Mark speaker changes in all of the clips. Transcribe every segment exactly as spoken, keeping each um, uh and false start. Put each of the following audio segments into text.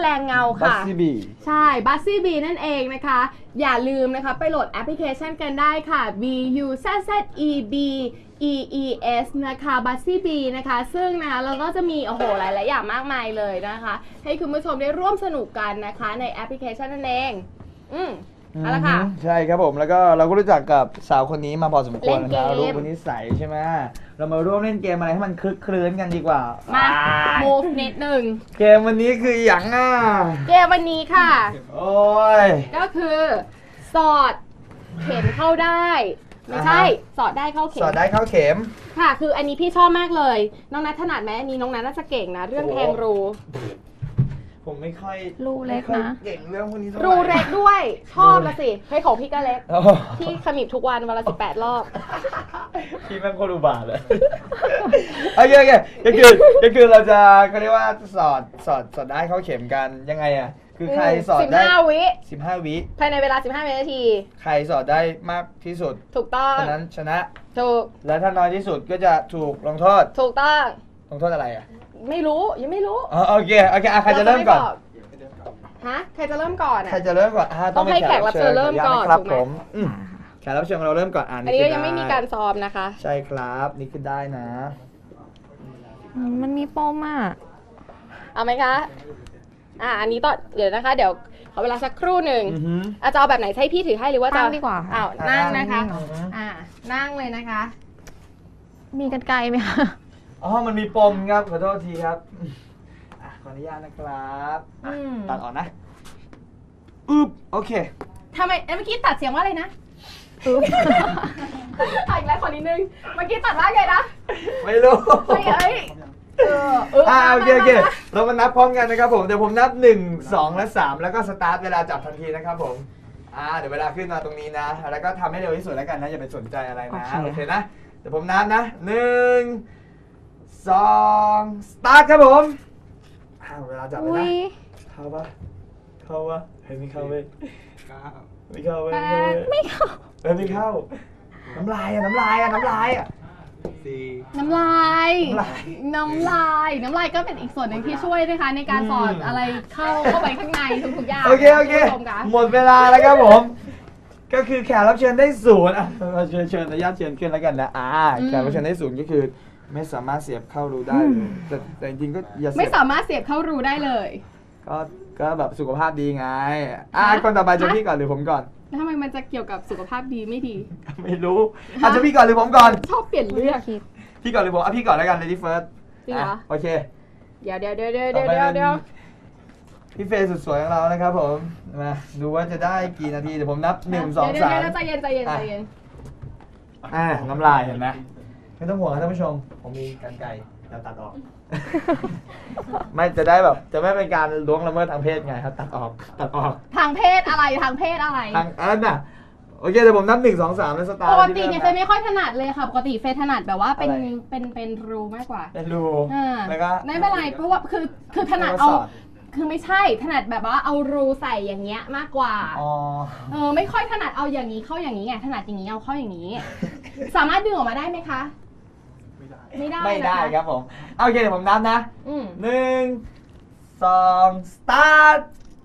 Speaker 1: ลงเงาค่ะ
Speaker 2: Buzzzy Bee
Speaker 1: ใช่ Buzzzy Bee นั่นเองนะคะอย่าลืมนะคะไปโหลดแอปพลิเคชันกันได้ค่ะ B U Z Z E B E E S นะคะ Buzzzy Bee นะคะซึ่งนะคะเราก็จะมีโอ้โหหลายๆอย่างมากมายเลยนะคะให้คุณผู้ชมได้ร่วมสนุกกันนะคะในแอปพลิเคชันนั่นเองอืมเอาละค่ะ
Speaker 2: ใช่ครับผมแล้วก็เราก็รู้จักกับสาวคนนี้มาพอสมควร
Speaker 1: เล่นเก
Speaker 2: นะ
Speaker 1: ม
Speaker 2: รู้คนนิสัยใช่ไหมเรามาร่วมเล่นเกมอะไรให้มันคลึกคลื้นกันดีกว่า
Speaker 1: มา
Speaker 2: อ่
Speaker 1: move นิดหนึ่ง
Speaker 2: เกมวันนี้คืออย่างอ่ะ
Speaker 1: เกมวันนี้ค่ะ
Speaker 2: โอ้ย
Speaker 1: ก็คือสอดเข็มเข้าได้ ไม่ใช่
Speaker 2: อ่าฮะ
Speaker 1: สอดได้เข้าเข็
Speaker 2: สอ
Speaker 1: ม
Speaker 2: ดได้เข้าเข็ม
Speaker 1: ค่ะ คืออันนี้พี่ชอบมากเลยน้องนัทถนัดไหมอันนี้น้องนัทน่าจะเก่งนะเรื่องแทงรู
Speaker 2: ผมไม่ค่อย
Speaker 1: รูเล็กนะ
Speaker 2: ไม่ค่อยเก่งเรื่องพวกนี้เท่าไห
Speaker 1: รูเล็กด้วยชอบละสิเฮ้ยของพี่ก็เล็ก
Speaker 2: โอ้
Speaker 1: พี่ขมิบทุกวันวันละสิบแปดรอบ
Speaker 2: พี่แม่งโคตรอุบาทเลย โอเคโอเคก็คือก็คือเราจะเขาเรียกว่าสอดสอดสอดได้เข้าเข็มกันยังไงอ่ะคือใครสอด
Speaker 1: สิบ
Speaker 2: ได้
Speaker 1: ห้าวิ
Speaker 2: สิบห้าวิ
Speaker 1: ภายในเวลาสิบห้าวินาที
Speaker 2: ใครสอดได้มากที่สุด
Speaker 1: ถูกต้อง
Speaker 2: คนนั้นชนะ
Speaker 1: ถูก
Speaker 2: และถ้าน้อยที่สุดก็จะถูกลงโทษ
Speaker 1: ถูกต้อง
Speaker 2: ลงโทษอะไรอ่ะ
Speaker 1: ไม่รู้ยังไม่รู้
Speaker 2: อ๋อโอเคโอเคอ่ะใครจะเริ่มก่อน
Speaker 1: ฮะใครจะเริ่มก่อนอ่ะ
Speaker 2: ใครจะเริ่มก่อนอ่ะ
Speaker 1: ต้องให้แขกรับเชิญเริ่มก่อน
Speaker 2: ครับ
Speaker 1: ถูกไหม
Speaker 2: ผมอืมแขกรับเชิญของเราเริ่มก่อนอ่าน
Speaker 1: อันนี้ก็ยังไม่มีการซ้อมนะคะ
Speaker 2: ใช่ครับนี่คือได้นะ
Speaker 3: มันมีปมอ่ะ
Speaker 1: เอาไหมคะ อ่า อันนี้ต่อเดี๋ยวนะคะ เดี๋ยวขอเวลาสักครู่หนึ่ง
Speaker 2: อือฮึ
Speaker 1: อาจะเอาแบบไหนให้พี่ถือให้หรือว่าจะ
Speaker 3: นั่งดีกว่าค่ะ
Speaker 1: อ้าวนั่งนะคะ
Speaker 2: อือฮึ
Speaker 1: อ่า นั่งเลยนะคะ
Speaker 3: มีกันไกลไหมคะ
Speaker 2: อ๋อมันมีปมครับขอโทษทีครับอ่ะขออนุญาตนะครับอ่ะ
Speaker 1: อืม
Speaker 2: ตัดออกนะอึ๊บโอเค
Speaker 1: ทำไมเอ้ยเมื่อกี้ตัดเสียงว่าอะไรนะอุ๊บตัดอีกแล้วขอนิดนึง เมื่อกี้ตัดว่าไงนะ
Speaker 2: ไม่รู้
Speaker 1: เฮ้ยเอ้ยเออเออ
Speaker 2: อ่าโอเคโอเค
Speaker 1: มามามา
Speaker 2: เรามานับพร้อมกันนะครับผมเดี๋ยวผมนับหนึ่งสองและสามแล้วก็สตาร์ทเวลาจับทันทีนะครับผมอ่าเดี๋ยวเวลาขึ้นมาตรงนี้นะแล้วก็ทำให้เร็วที่สุดแล้วกันนะอย่าไปสนใจอะไรนะ
Speaker 3: โอเค
Speaker 2: โอเคนะเดี๋ยวผมนับนะหนึ่งสองสตาร์ทครับผมอ่าเวลาจับเลย
Speaker 3: อุ้
Speaker 2: นะ
Speaker 3: ย
Speaker 2: เข้าปะเข้าปะเฮ้ยไม่เข้าเว้ยไม่เข้าเว้ย
Speaker 1: แปด
Speaker 2: ไม่เข้าเฮ้ยไม่เข้าน้ำลายอะน้ำลายอะน้ำลายอะ
Speaker 1: น้ำลาย
Speaker 2: น้ำลาย
Speaker 1: น้ำลาย น้ำลายก็เป็นอีกส่วนหนึ่งที่ช่วยนะคะในการสอด
Speaker 2: อืม
Speaker 1: อะไรเข้าเข้าไปข้างในทุกๆอย่าง
Speaker 2: โอเคโอเค
Speaker 1: ณผู้ชมะ
Speaker 2: หมดเวลาแล้วครับผม ก็คือแขกรับเชิญได้ศูนย์อ่ะเราเชิญเชิญอนุญาตเชิญขึ้นแล้วกันนะอ่าแขกรับเชิญได้ศูนย์ก็คือ ไม่สามารถเสียบเข้ารูได้เลยแต่แต่จริงๆก็อย่าเสี
Speaker 1: ไม่
Speaker 2: ยบ
Speaker 1: สามารถเสียบเข้ารูได้เลย
Speaker 2: ก็ก็แบบสุขภาพดีไงอ่า
Speaker 1: ฮะ
Speaker 2: คนต่อไปจะพี่ก่อนหรือผมก่อน
Speaker 1: แล้วทำไมมันจะเกี่ยวกับสุขภาพดีไม่ดี
Speaker 2: ไม่รู้อาจจะพี่ก่อนหรือผมก่อน
Speaker 1: ชอบเปลี่ยนเรื่อง
Speaker 3: คิด
Speaker 2: พี่ก่อนหรือผมอ่ะพี่ก่อนแล้วกัน lady first
Speaker 1: จริงเหรอ
Speaker 2: ะโอเค
Speaker 1: เดี๋ยวเดี๋ยวเดี๋ยวเดี๋ยว
Speaker 2: ต่อ
Speaker 1: เดี๋ยว
Speaker 2: ไป
Speaker 1: เดี๋ยว
Speaker 2: เป็นพี่เฟย์สุดสวยของเรานะครับผมมาดูว่าจะได้กี่นาทีเดี๋ยวผมนับหนึ่งสอง
Speaker 1: เดี๋ยว
Speaker 2: สาม
Speaker 1: เดี๋ยวใจเย็นใจเย็นใจเย็น
Speaker 2: อ่าน้ำลายเห็นไหมไม่ต้องห่วงนะท่านผู้ชม ผมมีกรรไกรจะตัดออก ไม่จะได้แบบจะไม่เป็นการล่วงละเมิดทางเพศไงครับตัดออกตัดออก
Speaker 1: ทางเพศอะไรทางเพศอะไร
Speaker 2: ทางอันน่ะโอเคเดี๋ยวผมนับหนึ่งสองสามแล้วสตาร์
Speaker 1: ป
Speaker 2: ท
Speaker 1: กติ
Speaker 2: ที่
Speaker 1: เนี่ย
Speaker 2: ริ่
Speaker 1: เฟยไม่ค่อยถนัดเลยค่ะ ปกติเฟยถนัดแบบว่าเป็น
Speaker 2: อะไร
Speaker 1: เป็นเป็นรูมากกว่า
Speaker 2: เป็นรู
Speaker 1: อ่า
Speaker 2: แล้วก็
Speaker 1: ไม่เป็นไรเพราะว่าคือคือถนัด
Speaker 2: แล้วก็
Speaker 1: เอา
Speaker 2: สอด
Speaker 1: คือไม่ใช่ถนัดแบบว่าเอารูใส่อย่างเงี้ยมากกว่า
Speaker 2: อ๋อ
Speaker 1: เออไม่ค่อยถนัดเอาอย่างนี้เข้าอย่างนี้ไงถนัดอย่างนี้เอาเข้าอย่างนี้ สามารถดึงออกมาได้ไหมคะ ไม่ได้
Speaker 2: ไม่ได้
Speaker 1: นะคะ
Speaker 2: ครับผมโอเคเดี๋ยวผมนับนะ
Speaker 1: อืม
Speaker 2: หนึ่งสองสตาร์ท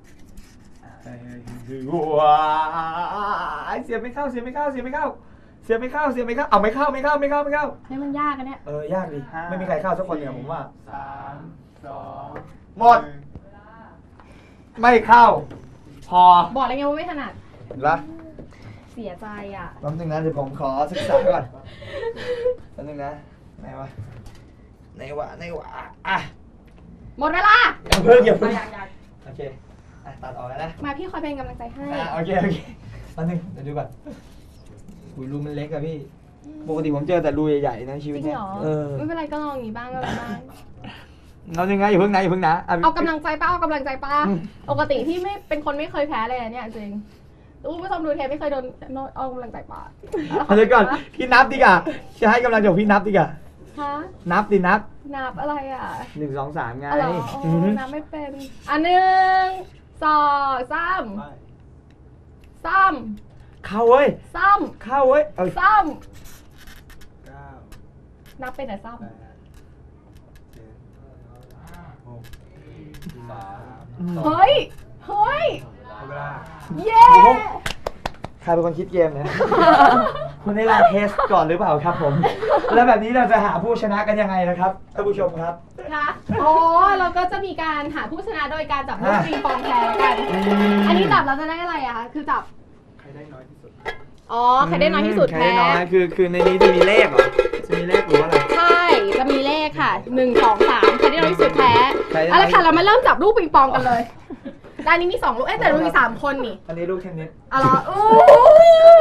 Speaker 2: ว้าเสียบไม่เข้าเสียบไม่เข้าเสียบไม่เข้าเสียบไม่เข้าเสียบไม่เข้าเอาไม่เข้าไม่เข้าไม่เข้าไม่เข้า
Speaker 1: ให้มันยากกันเนี่ย
Speaker 2: เออยากดิไม่มีใครเข้าสักคนเนี่ยผมว่า
Speaker 4: สามสอง
Speaker 2: หมด ไม่เข้า พอ
Speaker 1: บอกเลยไงว่าไม่ถนัด
Speaker 2: เห็นปะ
Speaker 1: เสียใจอ่ะ
Speaker 2: แป๊บนึงนะเดี๋ยวผมขอศึกษาก่อนแป๊บนึงนะไหนวะไหนวะไหนวะอ่ะ
Speaker 1: หมดเวลา
Speaker 2: อย่าเพิ่งอย่าเพิ่ง
Speaker 1: อยากอยาก
Speaker 2: โอเคอ่ะตัดออกแล้วนะ
Speaker 1: มาพี่คอยเป็นกำลังใจให้
Speaker 2: อ่ะโอเคโอเคแป๊บนึงเดี๋ยวดูก่อนอุ้ยรูมันเล็กอะพี่ปกติผมเจอแต่รูใหญ่ๆนะชี
Speaker 1: จ
Speaker 2: วิต
Speaker 1: ริง
Speaker 2: เนี้ย
Speaker 1: เหรอ
Speaker 2: เออ
Speaker 1: ไม่เป็นไรก็ลองอย่างนี้บ้างก็ลองบ้าง
Speaker 2: เรายังไงอย่าเพิ่งนะอย่าเพิ่งนะะ
Speaker 1: เอากำลังใจป้าเอากำลังใจป้า
Speaker 2: อืม
Speaker 1: ปกติพี่ไม่เป็นคนไม่เคยแพ้เลยอะเนี่ยจริงคุณผู้ชมดูเทปไม่เคยโดนโน้ตเอากำลังใจป้า
Speaker 2: เอาเดี๋ยวก่อนพี่นับดีกว่าจะให้กำลังใจพี่นับดีกว่า
Speaker 1: ฮะ
Speaker 2: นับดินับ
Speaker 1: นับอะไรอ่ะ
Speaker 2: หนึ่งสองสามไง
Speaker 1: อ๋อเหรอ
Speaker 2: อื
Speaker 1: อ๋
Speaker 2: อฮึ
Speaker 1: อนับไม่เป็นอันหนึ่งสองสามซ้
Speaker 2: เข้าเว้ย
Speaker 1: ำซ้
Speaker 2: เข้าเว้ยเอา
Speaker 1: ำซ้
Speaker 4: เก้า
Speaker 1: ำนับเป็นแต่ซ้
Speaker 4: แปดเจ็ดหกสาม
Speaker 2: อืม
Speaker 1: เฮ้ย เฮ้ย
Speaker 4: หมดเวลา
Speaker 1: เย้
Speaker 2: ใครเป็นคนคิดเกมเนี่ย คุณได้ลาเทสก่อนหรือเปล่าครับผม แล้วแบบนี้เราจะหาผู้ชนะกันยังไงนะครับท่านผู้ชมครับ
Speaker 1: ค่ะอ๋อเราก็จะมีการหาผู้ชนะโดยการจับลูกปิงปองแพ้กัน อันนี้จับเราจะได้อะไรอะคะ คือจับ
Speaker 4: ใครได้น้อยที่สุด
Speaker 1: อ๋อ ใครได้น้อยที่สุด
Speaker 2: ใคร
Speaker 1: แพ้
Speaker 2: ได้น้อยคือคือในนี้จะมีเลขเหรอ จะมีเลขหรือว่าอะไร
Speaker 1: ใช่ จะมีเลขค่ะหนึ่ง สอง สามใครได้น้อยที่สุดแพ้
Speaker 2: ใครได้น้อย
Speaker 1: เอาละค่ะ เรามาเริ่มจับลูกปิงปองกันเลยด้านนี้มีสองลูก เอ๊ะแต่เรามีสามคนนี่
Speaker 2: อันนี้ลูกเทนนิส
Speaker 1: เอาละอู้ย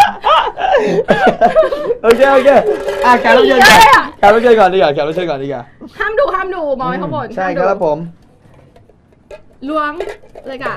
Speaker 2: โอเคโอเคอ่ะแขกรับเชิญก่อน
Speaker 1: เยอะเลยอะ
Speaker 2: แขกรับเชิญก่อนดีกว่าแขกรับเชิญก่อนดีกว่า
Speaker 1: ห้ามดูห้ามดูมองไว้ข้างบน
Speaker 2: ใช่
Speaker 1: ห้าม
Speaker 2: ค
Speaker 1: ดู
Speaker 2: รับผม
Speaker 1: ล้วงเลยค่ะ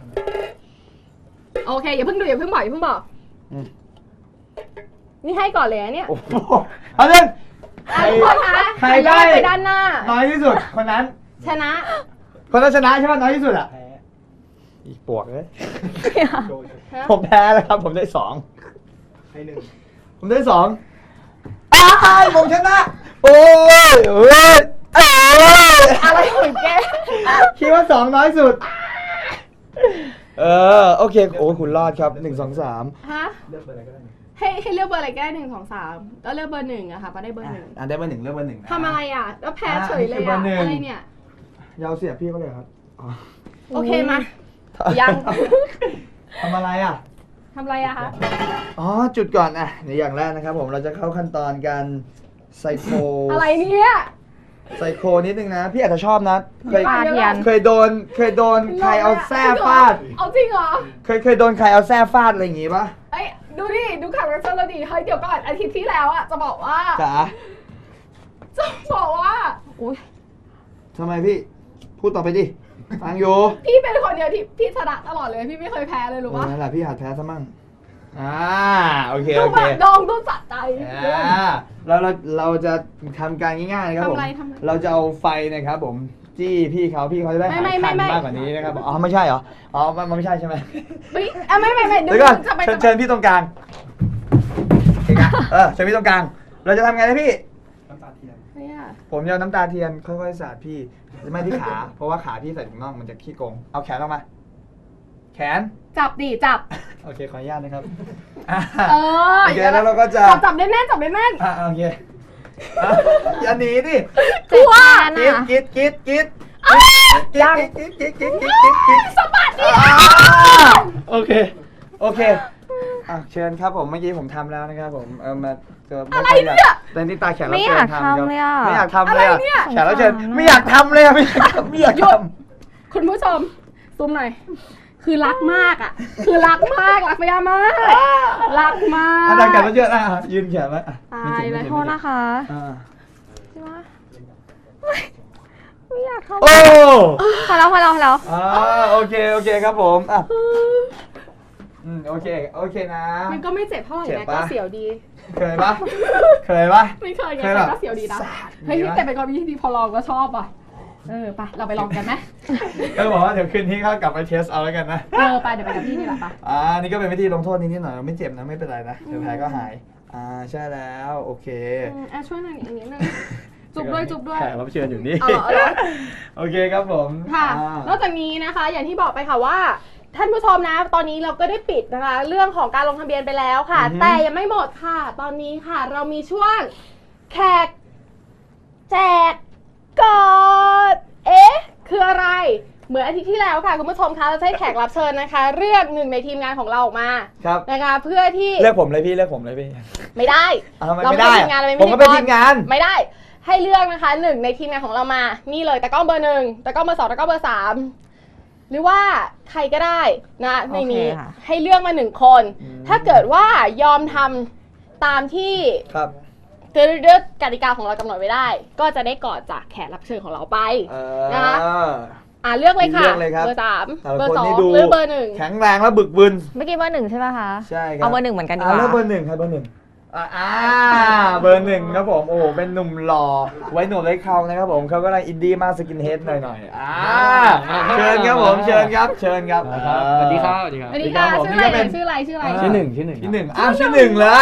Speaker 1: โอเค อย่าเพิ่งดูอย่าเพิ่งบอกอย่าเพิ่งบอก
Speaker 2: อืม
Speaker 1: นี่ให้ก่อนเลยนะเนี่ย
Speaker 2: โอ้โหเอาเรื่อง
Speaker 1: อ่ะทุกคนคะ
Speaker 2: ใคร
Speaker 1: ย้
Speaker 2: ได้
Speaker 1: อนไปด้านหน้า
Speaker 2: น้อยที่สุดคนนั้น
Speaker 1: ชนะ
Speaker 2: คนนั้นชนะใช่ไหมน้อยที่สุดอ่ะ
Speaker 4: แพ้
Speaker 2: อีกปวกเลย
Speaker 4: โดย
Speaker 1: ฮะ
Speaker 2: ผมแพ้แล้วครับ ผมได้สอง
Speaker 4: ให้หนึ่ง
Speaker 2: ผมได้สองอ้ายผมชนะ โอ้ยโอ้ยเอ้ย
Speaker 1: อะไรของแก
Speaker 2: คิดว่าสองน้อยสุด เออ โอเค โอ้คุณรอดครับหนึ่งสองสาม
Speaker 1: ฮะ
Speaker 4: เลือกเบอร์อะไรก็ได้นี่
Speaker 1: ให้ให้เลือกเบอร์อะไรก็ได้หนึ่งสองสามแล้วเลือกเบอร์หนึ่งอะค่ะป้าได้เบอร์หนึ่ง
Speaker 2: อ่ะได้เบอร์หนึ่งเลือกเบอร์หนึ่งนะ
Speaker 1: ทำอะไรอะแล้วแพ้เฉยเลย
Speaker 2: อ่ะนี่คือเบอ
Speaker 1: อะ
Speaker 2: ร์หนึ่ง
Speaker 1: อะไรเนี่ย
Speaker 2: ยาวเสียบพี่เขาเลยครับอ๋อ
Speaker 1: โอเคมา ยัง
Speaker 2: ทำอะไรอ่ะ
Speaker 1: ทำอะไรอะคะ
Speaker 2: อ๋อ จุดก่อนอ่ะในอย่างแรกนะครับผมเราจะเข้าขั้นตอนการไซโค
Speaker 1: อะไรเนี่ย
Speaker 2: ไซโคนิดนึงนะ พี่อาจจะชอบนะ เคย
Speaker 3: ปาเทียน
Speaker 2: เคยโดน เคยโดนใครเอาแส้ฟาด
Speaker 1: เอาจริงเหรอ
Speaker 2: เคยเคยโดนใครเอาแส้ฟาดอะไรอย่างงี้ปะ
Speaker 1: เอ้ยดูดิ ดูข่าวรัชเราดีเฮ้ยเดี๋ยวก่อนอาทิตย์ที่แล้วอะจะบอกว่า
Speaker 2: จ๋า
Speaker 1: จะบอกว่า
Speaker 3: อุ้ย
Speaker 2: ทำไมพี่ พูดต่อไปดิ ฟังอยู่
Speaker 1: พี่เป็นคนเดียวที่พี่ชนะตลอดเลย พี่ไม่เคยแพ้เลยรู้ปะ
Speaker 2: เออนั่นแหละพี่หัดแพ้ซะมั่งอ่าโอเค
Speaker 1: ต้
Speaker 2: โอ
Speaker 1: อง
Speaker 2: เค
Speaker 1: แบบดองต้องสะใจ
Speaker 2: อ่าเราเราเราจะทำการง่ายๆนะครับผม
Speaker 1: ทำอะไรทำอะไร
Speaker 2: เราจะเอาไฟนะครับผม จี้พี่เขาพี่เขาจะได้หาย
Speaker 1: ไม่ไม่
Speaker 2: คัน
Speaker 1: ไม่
Speaker 2: มากกว่านี้นะครับอ๋อไม่ใช่เหรออ๋อมันมันไม่ใช่ใช่ไหม
Speaker 1: เฮ้ยอ่ะไม่ไม่ไม่
Speaker 2: เดี๋ยวก่อน
Speaker 1: จะไป
Speaker 2: เชิญ
Speaker 1: จะ
Speaker 2: เชิ
Speaker 1: ไป
Speaker 2: ญพี่ตรงกลางเอกอะเออเชิญพี่ตรงกลาง เราจะทำไงนะพี่
Speaker 4: น้ำตาเทียน
Speaker 1: ไม่อะ
Speaker 2: ผมจะเอาน้ำตาเทียนค่อยๆสาดพี่ไม่ที่ขา เพราะว่าขาพี่ใส่ถุงน่องมันจะขี้โกงเอาแขนออกมา แขน
Speaker 1: จับดิจับ
Speaker 2: โอเคขออนุญาตนะครับอ่ะ
Speaker 1: เออ
Speaker 2: โอเคแล้วเราก็จะ
Speaker 1: จับจับได้แน่นจับได้แน่น
Speaker 2: อ่ะโอเคอ่ะอย่าหนีดิ
Speaker 1: กลัว
Speaker 3: เจ็บแทน
Speaker 2: กิด
Speaker 3: อะ
Speaker 2: กิดกิดกิด
Speaker 1: ยัง
Speaker 2: กิดกิดกิดกิดกิดกิด
Speaker 1: สะบัดดิ
Speaker 2: อ่าโอเค โอเคอ่ะเชิญครับผมเมื่อกี้ผมทำแล้วนะครับผมเออมาเจอไม่ค่อยอยากแต่นี่ตาแขกรับ
Speaker 3: ไม่
Speaker 2: เชิ
Speaker 3: อยา
Speaker 2: ญ
Speaker 3: ก
Speaker 2: ทำ
Speaker 3: ทำเลยอะ
Speaker 2: ไม่อยากทำเลยอะ
Speaker 1: อะไรเนี่ย
Speaker 2: แขกรับเชิญ
Speaker 3: สงสารอะ
Speaker 2: ไม่อยากทำเลยอะไม่อยากทำไม่อยาก
Speaker 1: หยุ
Speaker 2: ท
Speaker 1: ด คุณผู้ชมซูมหน่อย คือรักมากอ่ะ คือรักมาก รักพยามาก รักมา
Speaker 2: ำ
Speaker 1: ก
Speaker 2: อาจารย์แขกรับเชิญอ่ะยืนแขนไว้อ่ะ
Speaker 1: ตายเลย
Speaker 2: ไม่
Speaker 3: โท
Speaker 2: เจ็บ
Speaker 3: ษ
Speaker 2: ไม่เจ็บ
Speaker 3: นะคะ
Speaker 2: อ่า
Speaker 3: ใช่ไหมไม่ไม่อยากทำ
Speaker 2: โอ้
Speaker 3: พอแล้วพอแล้วพอแล้ว
Speaker 2: อ่าโอเคโอเคครับผมอ่ะอืมโอเคโอเคนะ
Speaker 1: มันก็ไม่เจ็บเท่าไหร่
Speaker 2: เจ็บ
Speaker 1: นะ
Speaker 2: ปะ
Speaker 1: ก็เสียวดี
Speaker 2: เคยปะเคยปะ
Speaker 1: ไม่เคยไง
Speaker 2: เคย
Speaker 1: แต่
Speaker 2: แบบ
Speaker 1: ก็เสียวดีนะ
Speaker 2: สาด
Speaker 1: เฮ้ย
Speaker 2: อย่างงี้ปะ
Speaker 1: แต่เป็นความคิดที่ดีพอลองก็ชอบอ่ะ เออไปเราไปลองกันไหม
Speaker 2: ก็บอกว่าเดี๋ยวคืนนี้เขากลับไปเทสเอาแล้วกันนะ
Speaker 1: เออไปเดี๋ยวไปกับพี่นี่แหละปะ
Speaker 2: อ่านี่ก็เป็นวิธีลงโทษนิดๆหน่อยไม่เจ็บนะไม่เป็นไรนะเดี๋ยวแผลก็หายอ่าใช่แล้วโอเค
Speaker 1: อืมอ่ะช่วยหน่อยอย่างนี้นึงจุบด้วยจุบด้วย
Speaker 2: แขกรับเชิญอยู่นี่
Speaker 1: เอาเหรอเอาเหรอ
Speaker 2: โอเคครับผม
Speaker 1: ค่ะ
Speaker 2: อ่าน
Speaker 1: อกจากนี้นะคะ อย่างที่บอกไปค่ะว่า ท่านผู้ชมนะ ตอนนี้เราก็ได้ปิดนะคะ เรื่องของการลงทะเบียนไปแล้วค่ะ แต่ยังไม่หมดค่ะ ตอนนี้ค่ะ เรามีช่วงแขกแจกกอดเอ๊ะ คืออะไร เหมือนอาทิตย์ที่แล้วค่ะคุณผู้ชมคะเราจะให้แขกรับเชิญนะคะ เลือกหนึ่งในทีมงานของเราออกมา
Speaker 2: ครับ
Speaker 1: นะคะ เพื่อที่
Speaker 2: เลือกผมเลยพี่เลือกผมเลยพี่
Speaker 1: ไม่ได้
Speaker 2: อ่ะทำไม
Speaker 1: เรา
Speaker 2: ไม่
Speaker 1: ไม่
Speaker 2: ได้
Speaker 1: ได้ทีมงานเราไม่
Speaker 2: ผมก็เป็น
Speaker 1: พิ
Speaker 2: ที
Speaker 1: ธี
Speaker 2: ม
Speaker 1: ก
Speaker 2: งาน
Speaker 1: ไม่ได้ ให้เลือกนะคะหนึ่งในทีมงานของเรามา นี่เลยตะกล้องเบอร์หนึ่งตะกล้องเบอร์สองตะกล้องเบอร์สามหรือว่าใครก็ได้นะในนี้
Speaker 3: โอเคค่ะ
Speaker 1: ให้เลือกมาหนึ่งคน
Speaker 2: อืม
Speaker 1: ถ้าเกิดว่ายอมทำตามที่
Speaker 2: ครับ
Speaker 1: เรื่องกติกาของเรากำหนดไว้ได้ ก็จะได้กอดจากแขกรับเชิญของเราไป
Speaker 2: เอ
Speaker 1: นะคะ
Speaker 2: อ
Speaker 1: อ่าเลือกเลยค่ะ
Speaker 2: เลือกเลยครับ
Speaker 1: เบอร์สาม
Speaker 2: แต่ละ
Speaker 1: เบอ
Speaker 2: คน
Speaker 1: ร์สอง
Speaker 2: นี่ดู
Speaker 1: เลือกเบอร์หนึ่ง
Speaker 2: แข็งแรงและบึกบึน
Speaker 3: เมื่อกี้เบอร์หนึ่งใช่ป่ะคะ
Speaker 2: ใช่ครับ
Speaker 3: เอาเบอร์หนึ่งเหมือนกันดีก
Speaker 2: อ่า
Speaker 3: ว่า
Speaker 2: แล้วเบอร์หนึ่งครับเบอร์หนึ่งอ่าอ่าเบอร์หนึ่งครับผมโอ้โหเป็นหนุ่มหล่อไว้หนวดไว้เครานะครับผมเขาก็เลยอินดี้มากสกินเฮดหน่อยๆอ่าเชิญครับผมเชิญครับเชิญครับ
Speaker 5: ครับสวัสดีครับสวัสดีครับ
Speaker 1: อันนี้ค่ะ
Speaker 2: ผม
Speaker 1: ชื่อ
Speaker 2: นี่
Speaker 1: อะไร
Speaker 2: ก็เป็น
Speaker 1: ชื่ออะไรชื่ออะไร
Speaker 5: ชื่อหนึ่งชื่อหนึ่ง
Speaker 2: ที่หนึ่งอ้าวชื่อหนึ่งเลย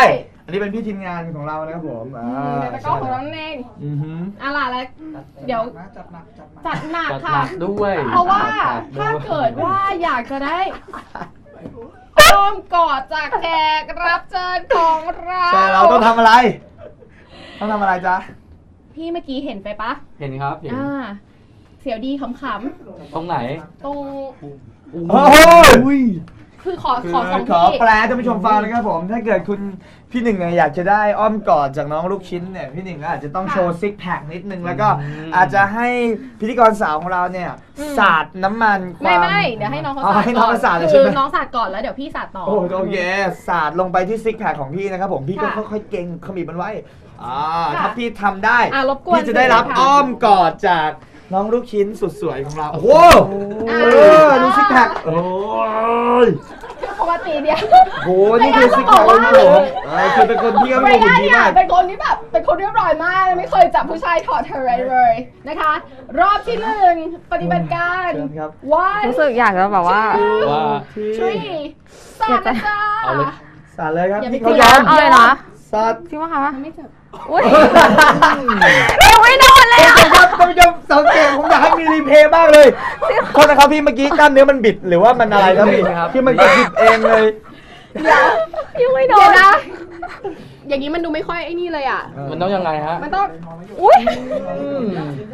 Speaker 2: อันนี้เป็นพี่ทีมงานของเรานะครับผมอ่า
Speaker 1: ในตะกร้อของเรานั่นเอง
Speaker 2: อือหือ
Speaker 1: อะล่ะแล้วเดี๋ยว
Speaker 4: นะจัดหนักจัดหนัก
Speaker 1: จัดหนัก
Speaker 3: จัดห
Speaker 1: ค่ะ
Speaker 3: นักด้วย
Speaker 1: เพราะว่า
Speaker 3: จัดหนั
Speaker 1: ถ้าก
Speaker 3: ด้วย
Speaker 1: เกิดว่าอยากจะได้อ้อมกอดจากแขกรับเชิญของเรา
Speaker 2: ใช่เราต้องทำอะไร ต้องทำอะไรจ๊ะ
Speaker 1: พี่เมื่อกี้เห็นไปปะ
Speaker 3: เห็นครับเห็น
Speaker 1: อ่าเสียวดีขำ
Speaker 3: ตรงไหน
Speaker 1: ๆตรง
Speaker 2: โอ้ย
Speaker 1: คือขอ
Speaker 2: คือ
Speaker 1: ขอสอง
Speaker 2: ขอ
Speaker 1: ที่
Speaker 2: แปลให้ท่านผู้ชมฟังนะครับผม ถ้าเกิดคุณพี่หนึ่งเนี่ยอยากจะได้อ้อมกอดจากน้องลูกชิ้นเนี่ยพี่หนึ่งก็อาจจะต้องโชว์ซิกแพคนิดนึงแล้วก็
Speaker 3: อืม
Speaker 2: อาจจะให้พิธีกรสาวของเราเนี่ยสาดน้ำมันควา
Speaker 1: ไม่
Speaker 2: ม
Speaker 1: ไม่เดี๋ยวให้น้องเขา
Speaker 2: อ๋อ
Speaker 1: สาด
Speaker 2: ให้น้องเขาสาดเลย
Speaker 1: คื
Speaker 2: ใช่ไหม
Speaker 1: อน้องสาดก่อนแล้วเดี๋ยวพี่สาดต่อ
Speaker 2: โอ้โอเคสาดลงไปที่ซิกแพคของพี่นะครับผมพี่ก็
Speaker 1: ค่ะ
Speaker 2: ค่อยๆเก่งขมิบมันไว้อ่า
Speaker 1: ค่ะ
Speaker 2: ถ้าพี่ทำได้
Speaker 1: อ่ะรบกวน
Speaker 2: พี่จะได้รับ
Speaker 1: ค่ะ
Speaker 2: อ้อมกอดจากน้องลูกชิ้นสุดสวยของเราโอ้โห
Speaker 1: อ่า
Speaker 2: เออดูซิกแพคโอ้ย
Speaker 1: ปกติเดียว
Speaker 2: โหนี่คือซิกแพคของผมเออคือเป็นคนที่ก็
Speaker 1: ไม่
Speaker 2: เป็นคน
Speaker 1: ได้
Speaker 2: ดี
Speaker 1: เนี่ย
Speaker 2: มาก
Speaker 1: เป็นคนที่แบบเป็นคนเรียบร้อยมากไม่เคยจับผู้ชายถอดเทอร์เรนเลยนะคะ รอบที่หนึ่งปฏิบัติการ
Speaker 2: เชิญครับ
Speaker 1: one
Speaker 5: รู้สึกอยากจะแบบว่า
Speaker 3: ว่า
Speaker 1: three สาดนะจ้า
Speaker 3: เอาเลย
Speaker 2: สาดเลยครับ
Speaker 1: อย่าไป
Speaker 2: พี่เขา
Speaker 1: กลั
Speaker 2: ยว อม
Speaker 5: เอาเลยเหรอ
Speaker 2: สาด
Speaker 5: จริงปะคะ
Speaker 1: ไม่เจ็บ
Speaker 5: อุ้ยยังไม่โดนเลย
Speaker 2: ท่าน
Speaker 5: อ่ะ
Speaker 2: ผู้ชมครับท่านผู้ชมสังเกตผมอยากให้มีรีเพลย์บ้างเลยโทษนะครับพี่เมื่อกี้กล้ามเนื้อมันบิดหรือว่ามันอะไรครับพี่
Speaker 3: ครับ
Speaker 2: ที่มันกระดิบเองเลย
Speaker 5: ยังไม่โด
Speaker 1: เดี๋ย
Speaker 5: น
Speaker 1: วนะ อย่างนี้มันดูไม่ค่อยไอ้นี่เลยอ่ะ
Speaker 3: มันต้องยังไงฮะ
Speaker 1: มันต้อง
Speaker 5: อุ้ย
Speaker 3: อืม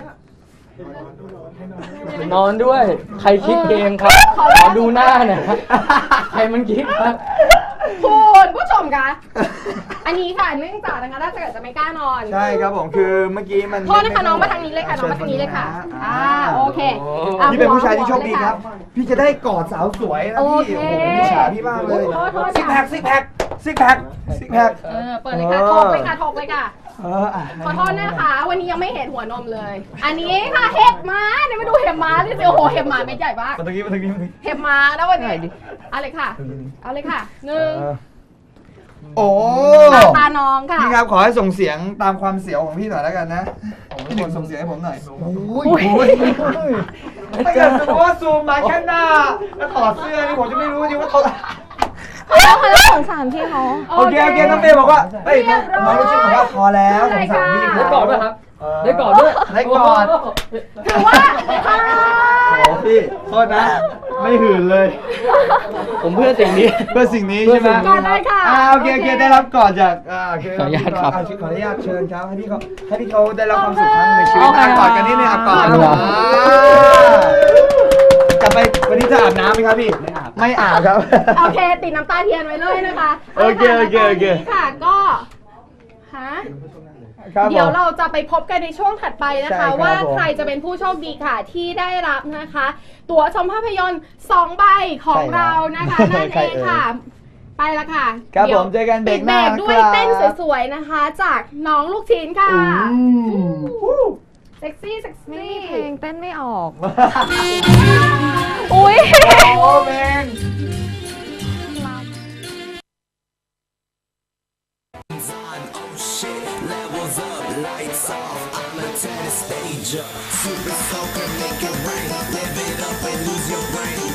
Speaker 3: นอนด้วย ใครคิดเองครับ ขอดูหน้าหน่อยครับใครมันคิดครับ
Speaker 1: คุณผู้ชมคะอันนี้ค่ะเนื่องจากนะคะถ้าเกิดจะไม่กล้านอน
Speaker 2: ใช่ครับผมคือเมื่อกี้มัน
Speaker 1: โทษนะคะน้องมาทางนี้เลยค่ะน้องมาทางนี้เลยค่ะอ่าโอเคอ่ะ
Speaker 2: พี่เป็นผู้ชายที่โชคดี
Speaker 1: หัวเลย
Speaker 2: ครับ พี่จะได้กอดสาวสวยนะ
Speaker 1: โอ
Speaker 2: พี่
Speaker 1: เค
Speaker 2: โอ้โหพี่ฉาพี่มากเลย
Speaker 1: โทษโทษ
Speaker 2: ซิกแพคซิกแพคซิกแพคซิกแพค
Speaker 1: เออเปิดเลยค่ะถกเลยค่ะถกเลยค่ะ
Speaker 2: เอออ่ะ
Speaker 1: ขอโทษนะคะ วันนี้ยังไม่เห็นหัวนมเลย อันนี้ค่ะเห็บม้าเนี่ยมาดูเห็บม้าดิสิโอ้โหเห็บม้าเม็ดใหญ่มาก
Speaker 2: มาตรงนี้มาตรงนี้มาตรงนี้
Speaker 1: เห็บม้าแล้ววันนี้เอาเลยค่ะ เอาเลยค่ะหนึ่ง
Speaker 2: เออโอ้
Speaker 1: ตาตาน้องค่ะ
Speaker 2: พี่ครับขอให้ส่งเสียงตามความเสียวของพี่หน่อยแล้วกันนะพี่หนึ่งส่งเสียงให้ผมหน่อยโอ้ยโอ้ยถ้าเกิดสมมติว่าซูมมาแค่หน้าแล้วถอดเสื้อนี่ผมจะไม่รู้จริงว่าเขา
Speaker 5: เขาเขาจะสงสารพี่เขา
Speaker 2: โอเคโอเคน้องเมย์บอกว่าเฮ้ยน้องน้องรู้สึกบอกว่าพอแล้วสงสารพี่
Speaker 3: ได้กอดด้วยครับ ได้กอดด้วย
Speaker 2: ได้กอด
Speaker 1: ถือว่าค่ะ
Speaker 2: โอ้พี่โทษนะ ไม่หื่นเลย
Speaker 3: ผมเพื่อสิ่งนี้
Speaker 2: เพื่อสิ่งนี้ใช่ไหม
Speaker 1: กอดได้ค่ะ
Speaker 2: อ่าโอเคโอเคได้รับกอดจากอ่าโอเค
Speaker 3: ขออนุญาตครับ
Speaker 2: เขออนุญาตเชิญครับให้พี่เขาให้พี่เขาได้รับความสุขครั้งหนึ่งในชีวิตอ่ะกอดกันนิดนึงอ่ะกอด
Speaker 3: เอาเหรอ
Speaker 2: จะไปวันนี้จะอาบน้ำไหมครับพี่
Speaker 3: ไม่อาบ
Speaker 2: ไม่อาบครับ
Speaker 1: โอเคติดน้ำตาเทียนไว้เลยนะคะ
Speaker 2: โอเคโอเคโอเค
Speaker 1: าละค่ะตอนนี้ค่ะก็ฮะ
Speaker 2: ครับผม
Speaker 1: เดี๋ยวเราจะไปพบกันในช่วงถัดไปนะ
Speaker 2: ใช่ครั
Speaker 1: คะ
Speaker 2: บ
Speaker 1: ว่า
Speaker 2: ผม
Speaker 1: ใครจะเป็นผู้โชคดีค่ะที่ได้รับนะคะ ตั๋วชมภาพยนตร์สองใบของเรานะคะนั่น
Speaker 2: ใคร
Speaker 1: เอ
Speaker 2: เอ่
Speaker 1: ง
Speaker 2: ย
Speaker 1: ค่ะ ไปละค่ะ
Speaker 2: ครับ
Speaker 1: ดี๋ยว
Speaker 2: ผมเจอกันเบรกหน้า
Speaker 1: ปิดด้วย
Speaker 2: นะครับ
Speaker 1: เต้นสวยๆนะคะ จากน้องลูกชิ้นค่ะ
Speaker 2: อู้
Speaker 1: เซ็กซี่เซ็ก
Speaker 5: ไม่
Speaker 1: ซี่
Speaker 5: มีเพลงเต้นไม่ออก อุ้ย
Speaker 2: โอ้เมน
Speaker 6: Levels up, lights off, I'm a tennis stager. Super soaker, make it rain. Live it up and lose your brain.